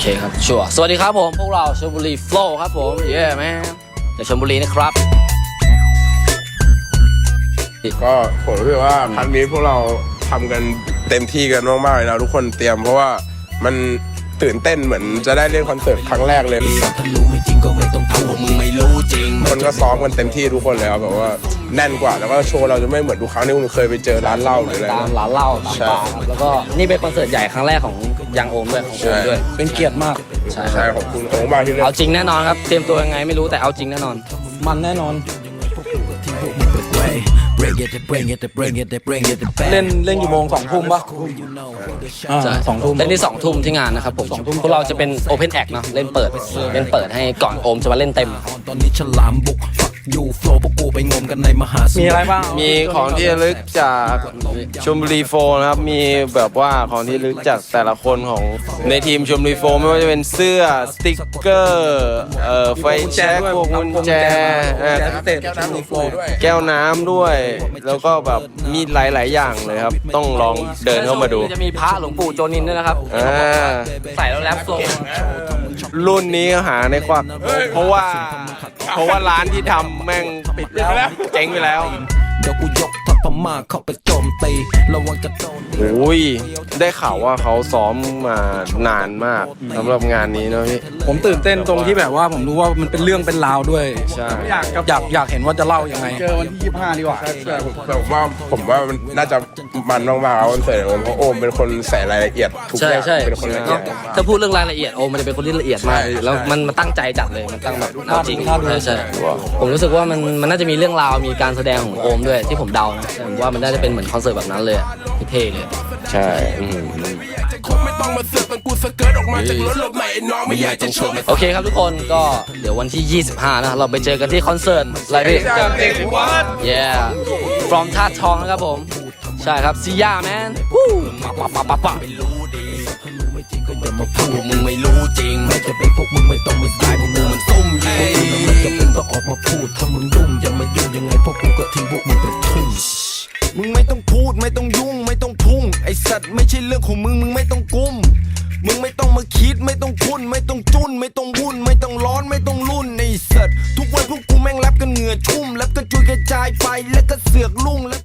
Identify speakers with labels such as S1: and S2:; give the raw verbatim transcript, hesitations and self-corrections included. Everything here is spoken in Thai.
S1: เคครับชัวร์สวัสดีครับผมพวกเราชลบุรีโฟล์ครับผมเย้แม่จากชลบุรีนะครับ
S2: ก็ผมรู้สึกว่าครั้งนี้พวกเราทำกันเต็มที่กันมากๆเลยนะทุกคนเตรียมเพราะว่ามันตื่นเต้นเหมือนจะได้เล่นคอนเสิร์ตครั้งแรกเลยคนก็ซ้อมกันเต็มที่ทุกคนเลยครับแบบว่าแน่นกว่าแล้วก็โชว์เราจะไม่เหมือนทุกครั้งที่คุณเคยไปเจอร้านเหล้าหรืออะไร
S1: ตามร้านเหล้าตามบาร์ครับแล้วก็นี่เป็นคอนเสิร์ตใหญ่ครั้งแรกของยังโอมด้วยของโอมด้วยเป็นเกียรติมากใช่
S2: ใช่ขอบคุณโอ้มากที่เล่น
S1: เอาจริงแน่นอนครับเตรียมตัวยังไงไม่รู้แต่เอาจริงแน่นอนมันแน่นอนเล่นเล่นกี่โมงสองทุ่มปะใช่สองทุ่มเล่นที่สองทุ่มที่งานนะครับผมพวกเราจะเป็นโอเพนแอคเนาะเล่นเปิดเล่นเปิดให้ก่อนโอมจะมาเล่นเต็มตอนนี้ฉลามบุกอยู่โฟล์พวกกูไปงมกันในมหาสมุทรมีอะไรบ้าง
S3: มีของที่ระลึกจากชลบุรีโฟล์นะครับมีแบบว่าของที่ระลึกจากแต่ละคนของในทีมชลบุรีโฟล์ไม่ว่าจะเป็นเสื้อสติ๊กเกอร์เอ่อไฟแช็กพวกกุญแจแก้วน้ำด้วยแล้วก็แบบมีหลายๆอย่างเลยครับต้องลองเดินเข้ามาดู
S1: จะมีพระหลวงปู่โจนินด้วยนะครับใส่แล้วแรปโซ
S3: รุ่นนี้หาในควักเพราะว่าเพราะว่าร้านที่ทำแม่งปิดแล้วเจ๊งไปแล้วเดี๋ยวกูยกทัพพม่าเข้าไปโจมตีระวังจะโดนโอ้ยได้ข่าวว่าเขาซ้อมมานานมากสำหรับงานนี้นะพี่
S4: ผมตื่นเต้นตรงที่แบบว่าผมรู้ว่ามันเป็นเรื่องเป็นราวด้วย
S3: ใช่
S4: อยากอยากอยากเห็นว่าจะเล่ายังไง
S2: เจอวันที่ยี่สิบห้าดีกว่าแต่ผมว่าผมว่ามันน่าจะมันมากๆเอาคอนเสิร์ตเพราะโอมเป็นคนใส่รายละเอียดทุกอย่างเป็นคนละเอียด
S1: ถ้าพูดเรื่องรายละเอียดโอมมันจะเป็นคนที่ละเอียดมากแล้วมันมันตั้งใจจัดเลยมันตั้งแบบเอาจริงใช่ใช่ผมรู้สึกว่ามันมันน่าจะมีเรื่องราวมีการแสดงของโอมด้วยที่ผมเดานะผมว่ามันน่าจะเป็นเหมือนคอนเสิร์ตแบบนั้นเลยเท่เลย
S3: ใช่
S1: โอเคครับทุกคนก็เดี๋ยววันที่ยี่สิบห้านะเราไปเจอกันที่คอนเสิร์ตอะไรพี่ yeah from ท่าทองนะครับผมใช่ครับซีย่าแมนวู้ปะปะปะปะ
S5: มาพูดมึงไม่รู้จริงไม่จะเป็นพวกมึงไม่ต้องมาตายพวกมึงมันซุ่มยิงไม่จะเป็นต้องออกมาพูดถ้ามึงยุ่งอย่ามายุ่งยังไงพวกกูก็ทิ้งพวกมึงไปทุ่งมึงไม่ต้องพูดไม่ต้องยุ่งไม่ต้องพุ่งไอสัตว์ไม่ใช่เรื่องของมึงมึงไม่ต้องกุมมึงไม่ต้องมาคิดไม่ต้องคุ้นไม่ต้องจุนไม่ต้องวุ่นไม่ต้องร้อนไม่ต้องรุ่นไอสัตว์ทุกวันพวกกูแม่งแรปกันเหงื่อชุ่มแรปกันจุยกระจายไปแล้วก็เสือกลุ่งแล้ว